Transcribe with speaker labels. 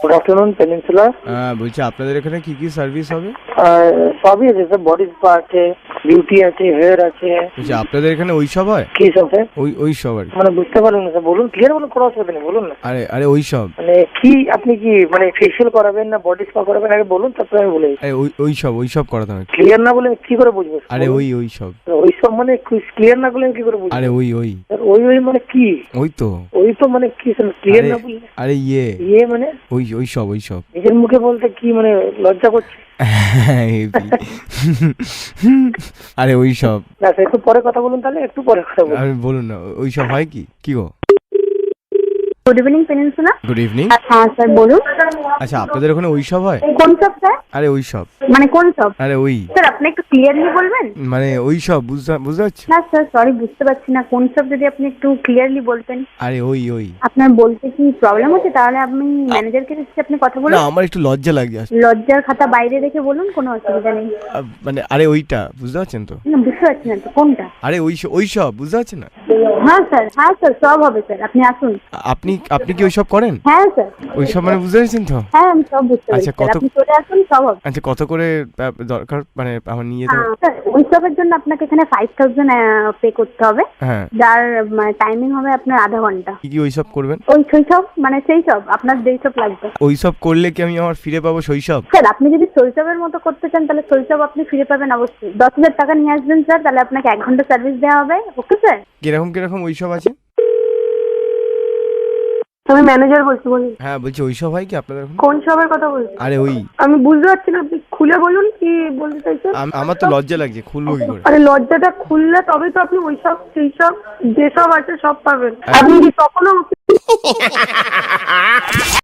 Speaker 1: Good afternoon peninsula.
Speaker 2: বলছি আপনাদের এখানে কি কি সার্ভিস হবে?
Speaker 1: সবই আছে স্যার, বডি স্পা আছে, বিউটি আছে, হেয়ার আছে।
Speaker 2: বলছি আপনাদের এখানে ওই সব হয়?
Speaker 1: কি সব স্যার?
Speaker 2: ওই সব আর কি।
Speaker 1: মানে বুঝতে পারলেন না স্যার, বলুন ক্লিয়ার বলুন, কোনো অসুবিধা নেই, বলুন না।
Speaker 2: আরে ওই সব
Speaker 1: মানে কি আপনি কি মানে ফেসিয়াল করাবেন না বডি স্পা করাবেন আগে বলুন, তারপরে আমি বলে দিচ্ছি।
Speaker 2: আরে ওই সব করাতে হবে।
Speaker 1: ক্লিয়ার না বলে কি করে বুঝবো?
Speaker 2: আরে ওই সব।
Speaker 1: ওই সব মানে ক্লিয়ার না বলে কি করে বুঝবো?
Speaker 2: আরে ওই
Speaker 1: স্যার, ওই মানে কি?
Speaker 2: ওই তো
Speaker 1: ওই তো মানে কি স্যার, ক্লিয়ার না বললে?
Speaker 2: আরে
Speaker 1: ইয়ে মানে
Speaker 2: ওই সব
Speaker 1: নিজের মুখে বলতে কি মানে লজ্জা করছে?
Speaker 2: আরে ওই সব।
Speaker 1: না স্যার, একটু পরে কথা বলুন, তাহলে একটু পরে কথা বলুন।
Speaker 2: আরে বলুন না, ওই সব হয় কি গো?
Speaker 3: Good evening Peninsula.
Speaker 2: Good evening.
Speaker 3: হ্যাঁ স্যার বলুন।
Speaker 2: আচ্ছা আপনাদের ওখানে ওই সব হয়?
Speaker 3: কোন সব স্যার?
Speaker 2: আরে ওই সব
Speaker 3: মানে কোন সব?
Speaker 2: আরে ওই
Speaker 3: স্যার আপনি একটু ক্লিয়ারলি বলবেন?
Speaker 2: মানে ওই সব বুঝতে পারছি।
Speaker 3: না স্যার সরি, বুঝতে পারছি না কোন সব, যদি আপনি একটু ক্লিয়ারলি বলতেন।
Speaker 2: আরে ওই
Speaker 3: আপনার বলতে কি প্রবলেম হচ্ছে? তাহলে আপনি ম্যানেজারকে এসে আপনি কথা
Speaker 2: না,
Speaker 3: বলুন।
Speaker 2: আমার একটু লজ্জা লাগে আসলে।
Speaker 3: লজ্জার খাতা বাইরে রেখে বলুন, কোনো অসুবিধা নেই।
Speaker 2: মানে আরে ওইটা বুঝতে পারছেন তো?
Speaker 3: না বুঝতে পারছি না তো কোনটা।
Speaker 2: আরে ওই সব বুঝতে পারছেন না?
Speaker 3: হ্যাঁ স্যার সব হবে স্যার, আপনি আসুন।
Speaker 2: আপনি কি ওই সব করেন?
Speaker 3: হ্যাঁ স্যার।
Speaker 2: ওই সব মানে বুঝতে পারছেন তো?
Speaker 3: হ্যাঁ আমি সব বুঝতে পারছি
Speaker 2: আচ্ছা,
Speaker 3: স্যার,
Speaker 2: কত-
Speaker 3: আপনি চলে আসুন, সব হবে।
Speaker 2: আচ্ছা কত করে দরকার মানে আমার নিয়ে যেতে?
Speaker 3: হ্যাঁ, স্যার উৎসবের জন্য আপনাকে এখানে 5000 পে করতে হবে,
Speaker 2: হ্যাঁ,
Speaker 3: যার টাইমিং হবে আপনার আধা ঘন্টা।
Speaker 2: কি ওই সব করবেন?
Speaker 3: ওই শৈশব মানে সেই সব আপনার যেই সব লাগবে।
Speaker 2: ওই সব করলে কি আমি আমার ফিরে পাবো শৈশব?
Speaker 3: স্যার আপনি যদি শৈশবের মতো করতে চান তাহলে শৈশব আপনি ফিরে পাবেন অবশ্যই। 10,000 টাকা নিয়ে আসবেন স্যার, তাহলে আপনাকে 1 ঘন্টা সার্ভিস দেওয়া হবে। Okay sir.
Speaker 2: কিরকম ওই সব আছে?
Speaker 4: আমি ম্যানেজার বলছি, বলুন।
Speaker 2: হ্যাঁ বলছি ওই সব হয় কি আপনাদের ওখানে?
Speaker 4: কোন সবের কথা বলছেন?
Speaker 2: আরে ওই
Speaker 4: আমি বুঝতে পারছি না, আপনি খুলে বলুন কি বলতে চাইছেন।
Speaker 2: আমার তো লজ্জা লাগছে, খুলবো কি করে?
Speaker 4: আরে লজ্জাটা খুললে তবে তো আপনি ওই সব সেই সব যেসব আছে সব পাবেন। আপনি কি কখনো